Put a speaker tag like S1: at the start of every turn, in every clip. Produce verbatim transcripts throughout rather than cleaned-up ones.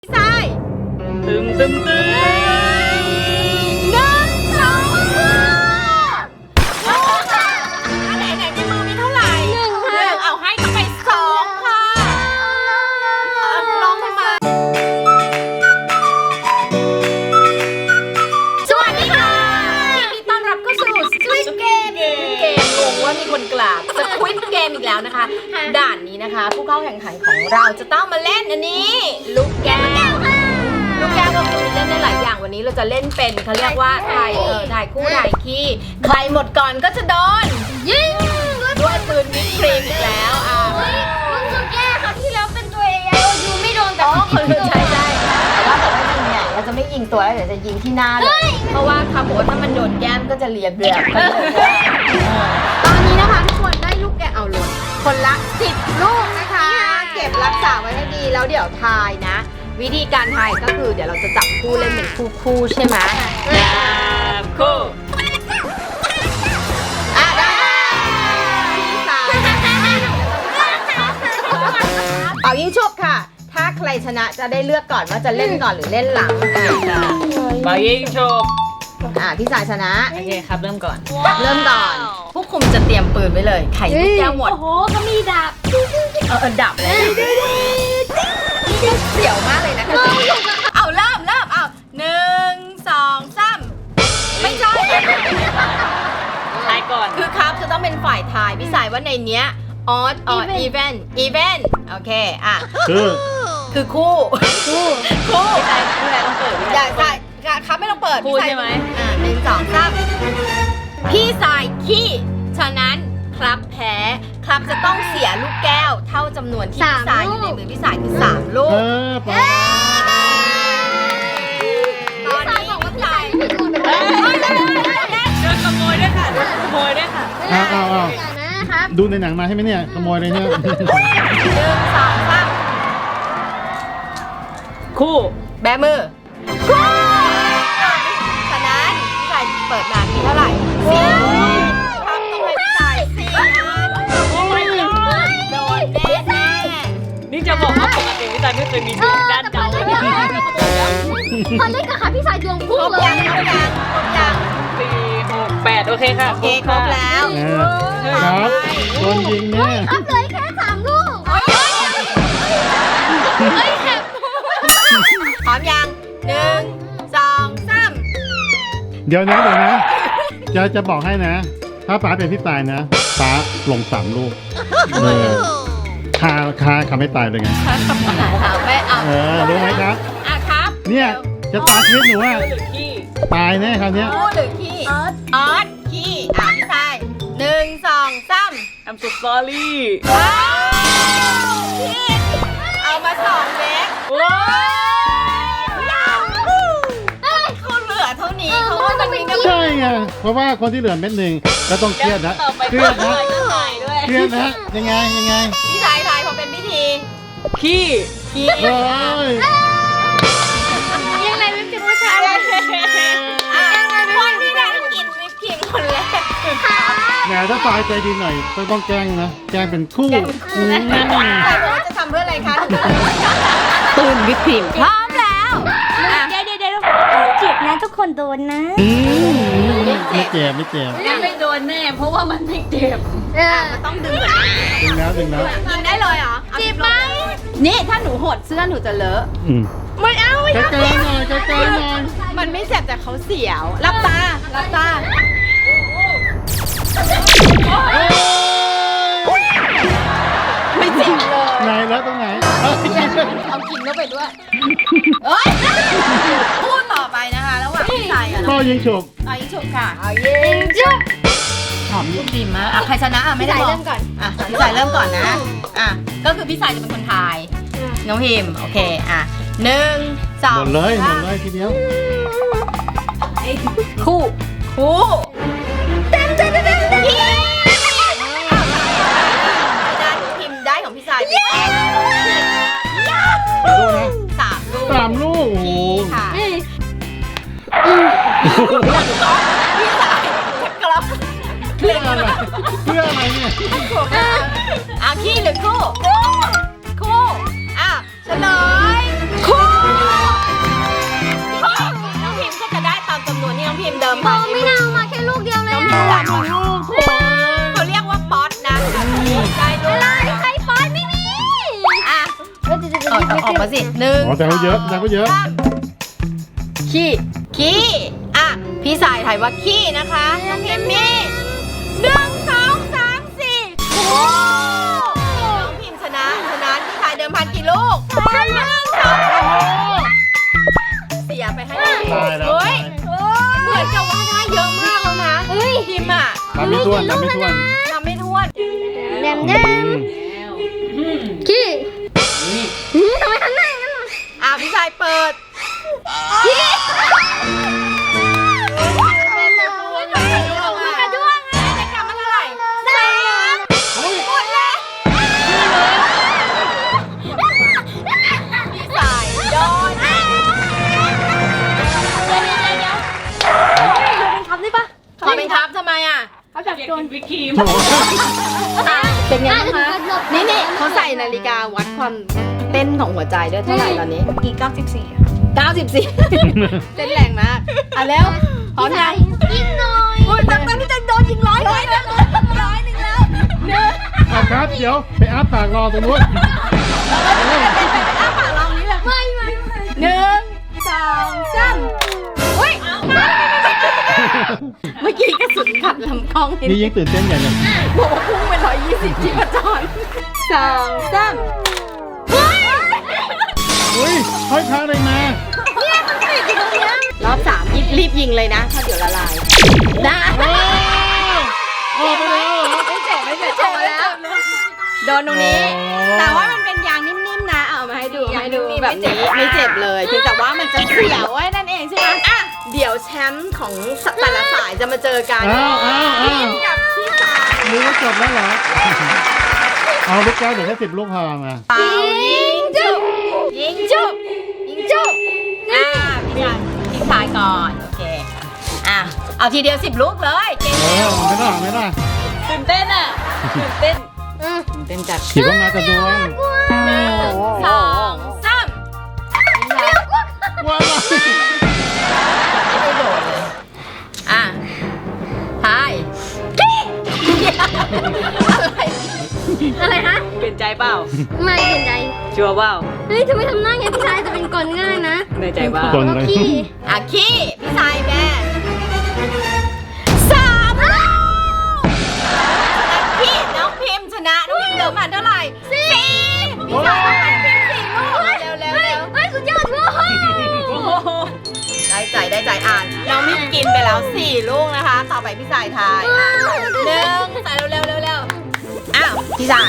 S1: ใช่ตึมตึมตึมหนึ่งสองสามค่ะอันไหนไหนในมือมีเท่าไหร่หนึ่งค่ะเอาให้เข้าไปสองค่ะลองมาสวัสดีค่ะยินดีต้อนรับเข้าสู่ Squid Game เกมงงว่ามีคนกราบ Squid Game อีกแล้วนะคะด่านนี้นะคะผู้เข้าแข่งขันของเราจะต้องมาเล่นอันนี้ลูกแก้วลูกแก้วก็คือเล่นได้หลายอย่างวันนี้เราจะเล่นเป็นเขาเรียกว่าถ่ายเออถ่ายคู่ถ่ายขี้ใครหมดก่อนก็จะโดนยิงด้วยปืนวิปครีมอีกแล้วอ่ะ
S2: ลูกแก้วครับที่แล้วเป็นตัวเองยูไม่โดนแต่
S1: อ๋อคนใช่ใช่แต่ว่าแต่ว่ายิงเนี่ยเราจะไม่ยิงตัวแล้วเดี๋ยวจะยิงที่หน้าเลยเพราะว่าเขาบอกว่าถ้ามันโดนแก้มก็จะเลียเบียบตอนนี้นะคะทุกคนได้ลูกแก้วเอาลงคนละสิบลูกนะคะเก็บรักษาไว้ให้ดีแล้วเดี๋ยวทายนะวิธีการทายก็คือเดี๋ยวเราจะจับคู่เล่นเป็นคู่คู่ใช่ไหมจับคู่อ่ะได้พี่สาวเอายิงชุบค่ะถ้าใครชนะจะได้เลือกก่อนว่าจะเล่นก่อนหรือเล่นหลัง
S3: เบายิงโชก
S1: อ่ะพี่สายชนะ
S3: โอเคครับเริ่มก่อน
S1: เริ่มก่อนผู้คุมจะเตรียมปืนไว้เลยไข่ลูกแก้วหมด
S2: โอ้โหก็มีดาบ
S1: เออดับเลยเสียวมากเลยนะคะเอาเริ่มเริ่มเอาหนึ่งสองสามไม่ใช่
S3: ทายก่อน
S1: คือครับจะต้องเป็นฝ่ายทายพี่สายว่าในเนี้ยออดออดอีเวนต์อีเวนต์โอเคอ่ะ
S4: คือ
S1: คือคู่คู่คู่
S3: พี่ชายพี่ชายต้องเปิด
S1: อย่าใช่ครับไม่ต้องเปิด
S3: คู่ใช่ไหม
S1: อ่ะหนึ่งสองสามพี่สายขี้ฉะนั้นครับแพ้ครับจะต้องเสียลูกแก้วเท่าจำนวนที่พี่สายอยู่ในมือพี่สายคือสามลูก
S4: เออปะ
S1: ตอนนี้พี่สาย
S3: โดนขโมยด้วยค่ะโดนขโมยด้วยค่ะ
S4: เอาเอาเอาดูในหนังมาให้ไหมเนี่ยขโมยเลยเนี่ย
S1: หนึ่งสองสาม
S3: คู่
S1: แบมือคู่ฉะนั้นพี่สายเปิดมามีเท่าไหร่สี่ทำตรงไหนพี่สายสี่โอ้ยโดนแน่แน่
S3: นี่จะบอกว่าปกติพี่ชายไม่เคยมีดวงด้านเก่าเลย
S2: พอเล่นกับขาพี่สายดวง
S1: คร
S2: พุ่ง
S1: บ
S2: เลย
S1: ยังครบยังครบยัง
S3: สี่หกแปดโอเคค่ะ
S1: โอเคครบแล้ว
S4: ครับโดนยิงเนี่ย
S2: ครับเลยแค่สามลูก
S1: โอ้ยเฮ้ยแคบพร้อมยังหนึ่งสองสาม
S4: เดี๋ยวนะเดี๋ยวนะจะจะบอกให้นะ ถ้าป๋าเป็นพี่ตายนะป๋าลงสามลูกเออคาคาคาไม่ตายเลยไง
S1: เอาไปเอา
S4: เออรู้ไหมครับ
S1: อ่ะครับ
S4: เนี่ยจะตายชีวิตหนูว่า
S3: หรือขี้
S4: ตายแน่คราวเนี้ย
S1: คู่หรือขี้ออสออสขี้อ่ะพี่ชายหนึ่งสองสาม
S3: I'm so sorry
S1: ว้าวพี่เอามาสองเล็ก
S3: ว้าว
S1: เขาเหลือเท่านี้เขาว่ามันมีน้ำ
S4: ใช่ไงเพราะว่าคนที่เหลือเม็ดหนึ่งก็ต้องเครียดนะ
S3: ต่อไป
S4: เครียดนะ
S3: ก็ตายด้วย
S4: เครียดนะยังไงยังไง
S1: พี่ชายทายพอเป็นพิธี
S3: ขี้
S1: ขี้
S4: เอ้ย
S2: ยังไงไม่เป็นผู้ชายเลย
S1: อ่ะคนที่ได้กินวิปครีมคนแรก
S4: แหมถ้าตายใจดีหน่อยต้องต้องแกล้งนะแกล้งเป็นคู่อืม
S1: แต่ว่าจะทำเพื่ออะไรคะตื่นวิปครีมพร้อมแล้วอ่ะ
S2: เดี๋ยวเดี๋ยวเดี๋ยวเจ็บนะทุกคนโดนนะ
S4: อืมไม่เจ็บไม่เจ็บ
S3: ไม่โดนแน่เพราะว่ามันไม่เจ็บ
S2: เออ
S1: ต้องดึงก่อน
S4: ดึงแล้วดึงแล้ว
S1: ยิงได้เลยเหรอเจ็บไหมนี่ถ้าหนูหดเสื้อหนูจะเลอะ
S4: อืม
S1: ไม่เอาไม่
S4: ใกล้
S1: เอา
S4: ๆหน่อยใกล้ๆหน่อย
S1: มันไม่เจ็บแต่เขาเสียวรับตารับตาไม่เจ็บเลย
S4: ไหนแล้วตรงไหนเอ้ย
S1: เอากินเข้าไปด้วยเอ้ยพูดต่อไปนะคะระหว่างพี่ชายกับ
S4: พ่อยิงฉุบ
S1: เอายิงฉุบค่ะเอายิงฉุบหอมลูกดีมากอ่ะใครชนะอ่ะไม่ได้บอก
S2: เริ่มก่อน
S1: อ่ะพี่สายเริ่มก่อนนะอ่ะก็คือพี่สายจะเป็นคนทายน้องพิมโอเคอ่ะหนึ่งสอง
S4: หมดเลยหมดเลยทีเดียว
S1: คู่คู่เต็มเต็มเต็มเต็มพิมได้พิมได้ของพี่สายไป
S4: ดูนะ
S1: สามลูก
S4: สามลูกโอ้โห
S1: ค่ะพี่สายจะกลับ
S4: เพื่ออะไรเพื่ออะไรเนี่ย
S1: อ่ะขี้หรือคู่คู่อ่ะเฉลยคู่
S2: พอไม่น่าเอามาแค่ลูกเดียวเลย
S1: น้องพิมพ์หนึ่งลูกเขาเรียกว่าป๊อตนะได้ลูก
S2: อะไรใครป้อนไม่มี
S1: อ่ะเอาเอาออกมาสิหนึ่ง
S4: อ๋อแต่เขาเยอะแต่เขาเยอะ
S1: ขี้ขี้อ่ะพี่สายถ่ายว่าขี้นะคะน้องพิมพ์มีหนึ่งสองสามสี่โอ้น้องพิมพ์ชนะชนะพี่สายเดิมพันกี่ลูกหนึ่งสองเสียไปให้น้องพิมพ์
S4: ตายแล้ว
S1: เฮ้ยเหมือนจะว่าได้เยอะมากแล้วนะเฮ้ยพิมพ์อ่ะ
S4: ทำไม่ท้วนทำไม่ท้วน
S1: ทำไม่ท้วน
S2: แดมแด
S4: อื
S2: ม
S4: ม
S2: ขี้ทำไมทำหน้าอย่างนั้น
S1: อ่ะพี่สายเปิด
S2: มันกระด้วง
S1: ได้กลับมาเท่าไหร่สาม
S4: เฮ้ย
S1: หมดแล้วพี่สายโดน
S2: ทำได้ปะ
S1: ขอเป็นครับทำไมอ่ะ
S3: เขาจะโดนวิคีม
S4: โถ่
S1: เป็นไงบ้างคะนี่นี่เขาใส่นาฬิกาวัดความเต้นของหัวใจด้วยเท่าไหร่ตอนนี้
S3: อีกเก้าสิบสี่
S1: เก้าสิบสี่ เต้นแรงมากอ่ะแล้วพร้อมยัง
S2: ยิงหน่อย
S1: โอ้ยตอนนี้จะโดนยิงร้อยเลยนะร้อยหนึ่งแล้วหนึ่ง
S4: เอาครับเดี๋ยวไปอาปากรอตรงนู้น
S1: อ้าปากลองนี้เลย
S2: ไม่ไม่ไม่
S1: หนึ่งสองสามอุ้ยเมื่อกี้กระสุนขัดลำกล้องเห็น
S4: นี่ยิ่งตื่นเต้นใหญ่เลย
S1: บอกว่าพุ่งไปร้อยยี่สิบที่ประจรสองสาม
S4: อุ้ยห้อยพระอะไรมา
S1: รอบสามรีบยิงเลยนะถ้าเดี๋ยวละลายได้
S4: ออกไปแล้วเหรอ
S1: ไม่เจ็บไม่เจ็บออกมาแล้วโดนตรงนี้ แต่ว่ามันเป็นยางนิ่มๆนะเอามาให้ดูให้ดูแบบนี้ไม่เจ็บเลยเพียงแต่ว่ามันจะเสียวไว้นั่นเองใช่ไหมอ่ะเดี๋ยวแชมป์ของแต่ละสายจะมาเจอกัน
S4: อ้าวอ้าวอ้าว
S1: กับพี่สาย
S4: มือก็จบแล้วเหรอ เอาลูกแก้วเดี๋ยวแค่สิบลูกพอมา
S1: เป่ายิงจุบยิงจุบยิงจุบอ่ะพี่ชายพี่ชายก่อนโอเคอ่ะเอาทีเดียวสิบลูกเลยเก่ง
S4: เอ
S1: เร็
S4: อ
S1: ว
S4: ไม่ได้ไม่ได้
S3: ตื่นเต้นอ่ะตื่นเต้น
S1: เต้นจัด
S4: ขี่ก็มากระดวง
S1: หนึ่งสองสาม
S4: ว้าว
S1: ไม่ได้โดดเลยอ่ะทายอะไร
S2: อะไรฮะ
S3: เปลี่ยนใจเปล่า
S2: ไม่เป็นใจ
S3: ชัวร์เปล่า
S2: เฮ้ยทำไมทำหน้าอย่างนี้พี่ชายจะเป็นกลง่ายนะ
S3: ในใจเปล่า
S4: คนเลย
S2: ขี้
S1: อ่ะขี้พี่ชายแม่สามลูกพี่น้องพิมพ์ชนะน้องพิมพ์เดิมพันเท่าไหร่สี่พี่ชายน้องพิมพ์สี่ลูกเร็วเร็วเร็ว
S2: เฮ้ยสุดยอดว้าว
S1: ได้ใจได้ใจอ่านน้องมิมกินไปแล้วสี่ลูกนะคะ ต่อไปพี่สายทายอ่ะหนึ่งใส่เร็วเร็วเร็วเร็วอ้าวพี่สาย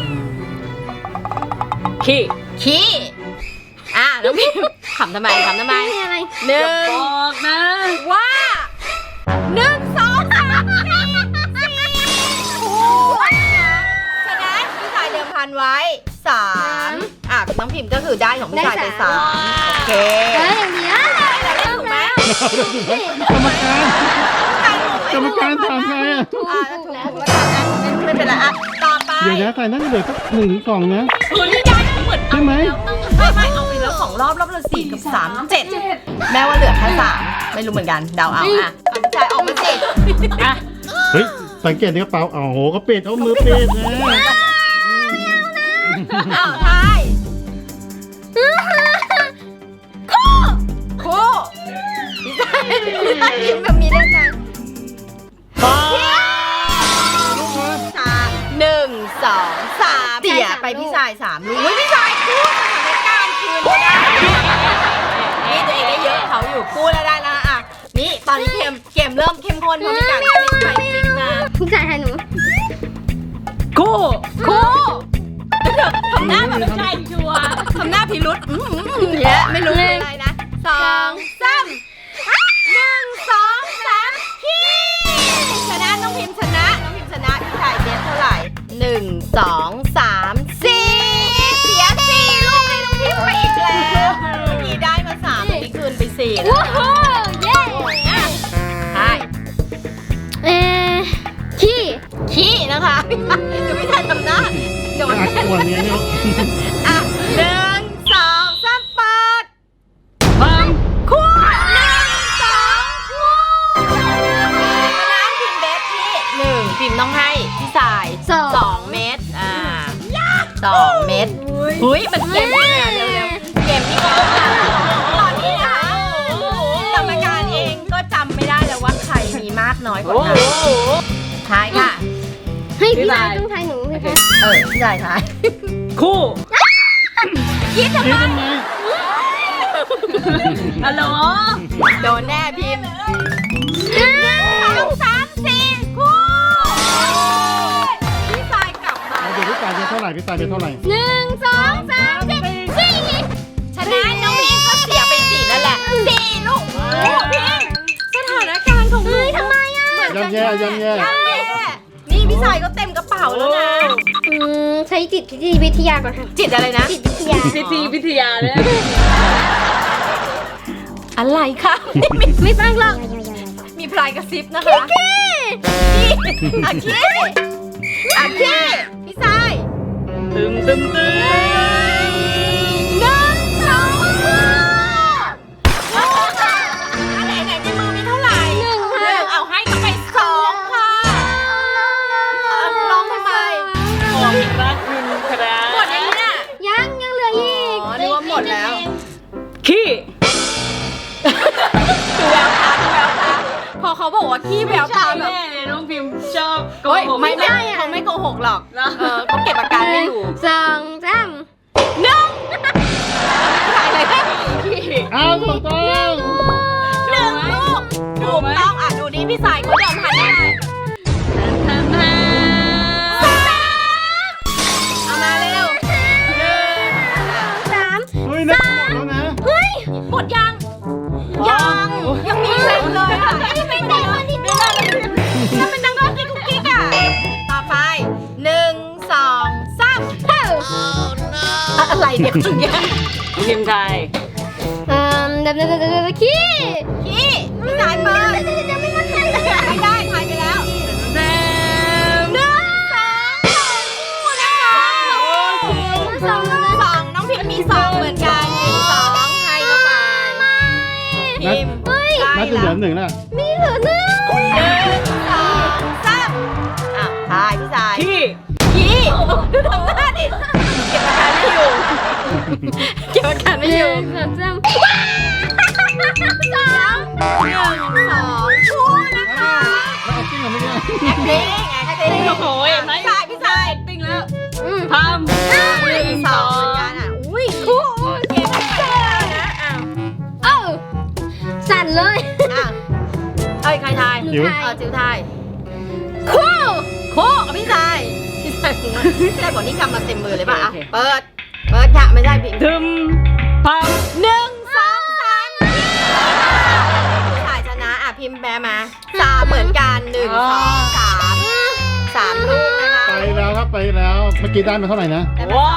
S3: ขี้
S1: ขี้อ่ะน้องพิมขำทำไมขำทำไม
S2: ไม่มีอะไร
S1: หนึ่ง
S3: บอกนะ
S1: ว่าหนึ่งสองสามสี่โอ้ยชนะพี่สายเดิมพันไว้สามอ่ะน้องพิมก็คือได้ของพี่สายไปสามโอเค
S2: เฮ้ยอย่างเดียว
S1: ได้ถูกไหม
S4: กรรมการกรรมการถามไงอ่ะ
S1: อ่าถูกแล้วไม่เป็นไรอ่ะต่อไป
S4: เดี๋ยวนะใส่นั่นเหลือสักหนึ่งถึงสองนะ
S1: คุณนี่ได้เหมือน
S4: ใช่ไหม
S1: ไม่ไม่เอาไปแล้วสองรอบรอบละสี่กับสามเจ็ดแม้ว่าเหลือแค่สามไม่รู้เหมือนกันเดาเอาอ่ะเอาพี่ชายออกมาสิ
S3: อ่ะ
S4: เฮ้ยสังเกตที่กระเป๋าอ๋อโหก็ปิดเอามือปิดนะ
S1: อ้าวทายคู่คู่พี่ชายพี่ชายยิ้มแบบมีเล่นนะ
S4: ปาลูกครับ
S1: สามหนึ่งสองสามเสียไปพี่ชายสามลูกเฮ้ยพี่ชายคู่สถานการณ์คืนก็ได้นี่ตัวเองได้เยอะเขาอยู่คู่แล้วได้นะอ่ะนี่ตอนนี้เกมเกมเริ่มเข้มข้นเพราะมีการพลิกไปพลิกมา
S2: พี่ชายให้หนู
S3: กู้
S1: คู่ทำหน้าแบบ
S3: ใช่ชัวร์
S1: ทำหน้าพิรุษอืมอืมอืมเยอะไม่รู้เป็นอะไรนะสองสามหนึ่งสองสามพี่ชนะน้องพิมพ์ชนะน้องพิมพ์ชนะพี่ชายเบสเท่าไหร่หนึ่งสองสามสี่เสียสี่ลูกให้น้องพิมพ์ไปอีกแล้วเมื่อกี้ได้มาสามเมื่อกี้คืนไปสี่นะ
S2: ว้าวเย้
S1: อ่ะใช่
S2: เอ่อขี้
S1: ขี้นะคะเดี๋ยวพี่ชายทำหน้าโดน
S4: อัดขวดเนี้ยเนี่ย
S1: อ่ะหนึ่งสองสามเปิด
S3: ฟัง
S1: คู่หนึ่งสองคู่เฮ้ยมันเกมนี้นะเร็วๆเกมนี้ก็ตอนนี้นะคะกรรมการเองก็จำไม่ได้แล้วว่าใครมีมากน้อยกว่ากันทายค่ะ
S2: ให้พี่ชายต้องทายหนูใช่ไหม
S1: เออพี่ชายทาย
S3: คู่
S1: คิดทำ
S4: คิด
S1: ไม
S4: ทำไม
S3: ฮัลโหล
S1: โดนแน่พิมพ์หนึ่งสองสามสี่คู่พี่ชายกลับมา
S4: เอาเดี๋ยวพี่ตายเป็นเท่าไหร่พี่ตายเป็นเท่าไหร่
S2: หนึ่งสองสามสี่สี่
S1: ชนะน้องพิมก็เสียไปสี่นั่นแหละสี่ลูกโอ้พิมสถานการณ์ของหนูทำไมอ่ะ
S4: ย่ำแย่ย่ำแย่
S1: ย่ำแย่นี่พี่ชายก็เต็มกระเป๋าแล้วนะ
S2: อืมใช้จิตวิทยาก่อนค่ะ
S1: จิตอะไรนะ
S2: จิตวิทยา
S3: พิธีพิทยาเนี่ย
S1: อะไรคะไม่
S2: ไม่ฟังหรอก
S1: มีพลายกระซิบนะคะนี่อาคีอาคีพี่ชาย
S3: ตึมตึมตึม
S1: หนึ่งสองอันไหนไหนในมือมีเท่าไหร่หนึ่งค่ะเอาให้เข้าไปสองค่ะลองทำไม
S3: ขอบพระคุณครับ
S1: หมดยังเนี่ย
S2: ยังยังเหลืออีก
S1: อ๋อนึกว่าหมดแล้ว
S3: ขี้
S1: ดูแววตาดูแววตาพอเขาบอกว่าขี้แววตา
S3: ใช่
S1: แบบ
S3: แน่เลยน้องพิมพ์ชอบโก
S1: เฮ้ย
S3: หก
S1: ไม่ไม่เขาไม่โกหกหรอกเออเขาเก็บอาการไม่อยู่
S2: สองสาม
S1: หนึ่งอะไรนะ
S3: ขี้
S4: เอาถูกต้อง
S1: หนึ่งลูกถูกต้องอ่ะดูนี่พี่สายเขาเดิมพันได้
S3: ทันทัน
S1: เอามาเร็วหนึ่ง
S2: สาม
S4: เฮ้ยนักหมดแล้วนะ
S1: เฮ้ยหมดยังยังยังมีอีกแล้วเลยอ่ะไม่เป็นไรไม่เป็นไรถ้าเป็นดังกุ๊กกิ๊กกุ๊กกิ๊กอ่ะต่อไปหนึ่งสองสามอะไรเด็กจริงยัง
S3: พิมพ์ไทย
S2: เอ่อเดี๋ยวเดี๋ยวเดี๋ยวเดี๋ยวขี้
S1: ขี้พี่สายเปิดยังไม่มั่นใจเลยไม่ได้ถ่ายไปแล้ว
S3: แซม
S1: หนึ่งสองสองคู่นะคะ
S2: สอง
S1: สองน้องพิมมีสองเหมือนกันหนึ่งสองให้เข้าไปพิม
S2: เฮ้ย
S4: น่าจะเหลือหนึ่งแล้ว
S2: มีเหลือหนึ่ง
S1: หนึ่งสองสามอ่ะทายพี่สาย
S3: ขี้
S1: ขี้ดูทำหน้าดิเก็บอาการไม่อยู่เก็บอาการไม่อยู่
S2: หนึ่งสองสาม
S1: สองหนึ่งสองคู่นะคะ
S4: แล้วเอาจริงเหรอไม่ได้
S1: แอคติ้งแอคติ้ง
S3: โอ้โหเห็นไหม
S1: พี่สายพี่สาย
S3: ติ้งแล้ว
S2: อืม
S3: ทำ
S1: หนึ่งสองเหมือนกันอ่ะอุ้ยคู่เก็บอาการนะอ้าว
S2: เอ้าสั่นเลย
S1: อ้าวเอ้ยใครทาย
S2: จิ๋ว
S1: เออจิ๋วทายคู่คู่กับพี่ชายพี่ชายผมว่าพี่ชายบอกนี่กำมาเต็มมือเลยป่ะอ่ะเปิด เปิดค่ะไม่ได้พี่
S3: ทึมพั
S1: หนึ่งสองสามพี่ชายชนะอ่ะพิมพ์แบมาสามเหมือนกันหนึ่งสองสามสามลูกนะคะ
S4: ไปแล้วครับไปแล้ว เมื่อกี้ได้มาเท่าไหร่นะ
S1: ได้มา
S3: ว้าว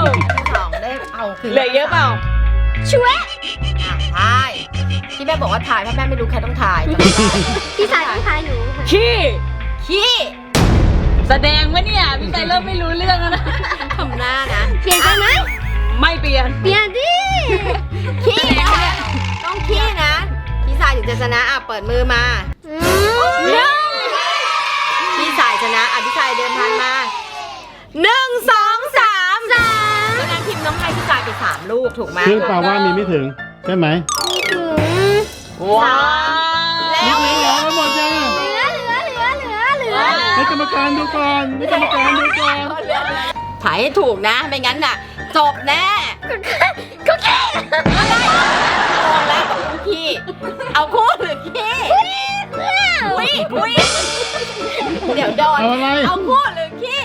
S1: สองได้เอาคืน
S3: เหลือเยอะเปล่า
S2: ช่วย
S1: อ่ะทายที่แม่บอกว่าถ่ายเพราะแม่ไม่รู้ใครต้องถ่าย
S2: พี่สายต้องทายหนูค่ะ
S3: ขี้
S1: ขี้
S3: แสดงว่าเนี่ยพี่ไก่เริ่มไม่รู้เรื่องแล้วนะ
S1: ทำหน้านะ
S2: เปลี่ยนใจไหม
S3: ไม่เปลี่ยน
S2: เปลี่ยนดิ
S1: ขี้นะคะต้องขี้นะพี่สายถึงจะชนะอ่ะเปิดมือมา
S2: อืม
S1: พี่สายชนะอ่ะพี่สายเดินพันมาหนึ่งสองสามสามแล้วนางพิมพ์น้องให้พี่สายไปสามลูกถูกไหม
S4: ซึ่งแปลว่ามีไม่ถึงใช่ไหม
S2: ถึง
S3: ว้าว
S1: แล้ว
S4: ไม่เหลือหมดยัง
S2: เหลือเหลือเหลือเหลือเหลือ
S4: ให้กรรมการดูก่อนให้กรรมการดูก่อน
S1: ถ่ายให้ถูกนะไม่งั้นน่ะจบแน่
S2: ก็แค่
S1: อะไรมองแล้วกับคู่ขี้เอาคู่หรือขี้คุยคุยเดี๋ยวโดน
S4: เอาอะไร
S1: เอาคู่หรือขี้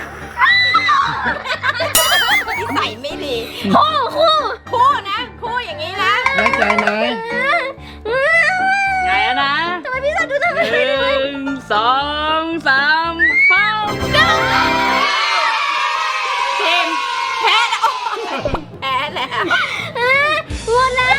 S1: นิสัยไม่ดี
S2: คู่คู่
S1: คู่นะคู่อย่างนี้นะ
S4: แน่ใจไหม
S3: ไงอะนะ
S2: ทำไมพี่สายดูทำไม
S3: หนึ่งสองสามเป้า
S1: ทีมแพ้แล้วแพ้แล้ว
S2: หมดแล้ว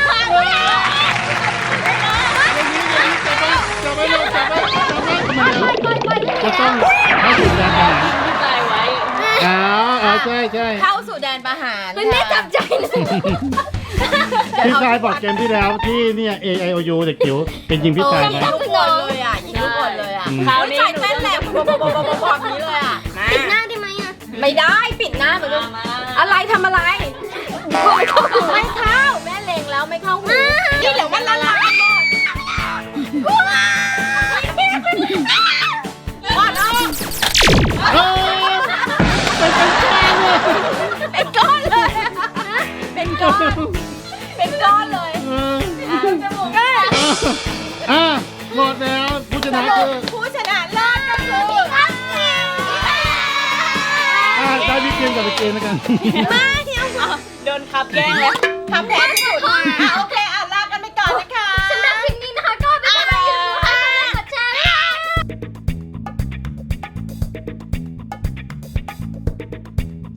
S4: จับไว้เลยจับไว้จับไว้
S2: ปล่อยปล่อย
S4: จะต้องให้ถึงแรงขนาด
S3: พี่ไก่ไว้
S4: อ้าวอ๋อใช่ใช่
S1: เข้าสู่แดนประหาร
S2: มันไม่จับใจนะ
S4: พี่ชายบอกเกมที่แล้วที่เนี่ย A I O U เด็กจิ๋วเป็นยิงพี่ชาย
S1: ยิง
S4: นะ
S1: ทุกคนเลยอ่ะยิงทุกคนเลยอ่ะ
S3: คราวนี้
S1: ใส่
S3: หนู
S1: เต้นแหลมบอบบอบบอบแบบนี้เลยอ่ะ
S2: ปิดหน้าได้ไหมอ่ะ
S1: ไม่ได้ปิดหน้าเหมือนกัน
S3: มา
S1: ออะไรทำอะไรไม่เข้าไม่เข้าแม่เล็งแล้วไม่เข้าหูนี่เดี๋ยวมันละลายหมดหมดแล้ว
S4: เออเป็นก้อนเลย
S1: เป็นก้อนเลยเป็นก้อนเป็นก้อนเลย
S4: เออ
S1: จมูก
S4: อ่ะหมดแล้วผู้ช
S1: ส
S4: นะ
S1: รุ
S4: คื
S1: ป
S4: อ
S1: ผู้ชนะเลิศก็คือ
S4: อ่ะได้พี่เกมกับพี่เกมแล้วกัน
S1: มาเที่ยวโดนขับแกล้งแล้วทำแพ้ที่สุดอ่ะโอเค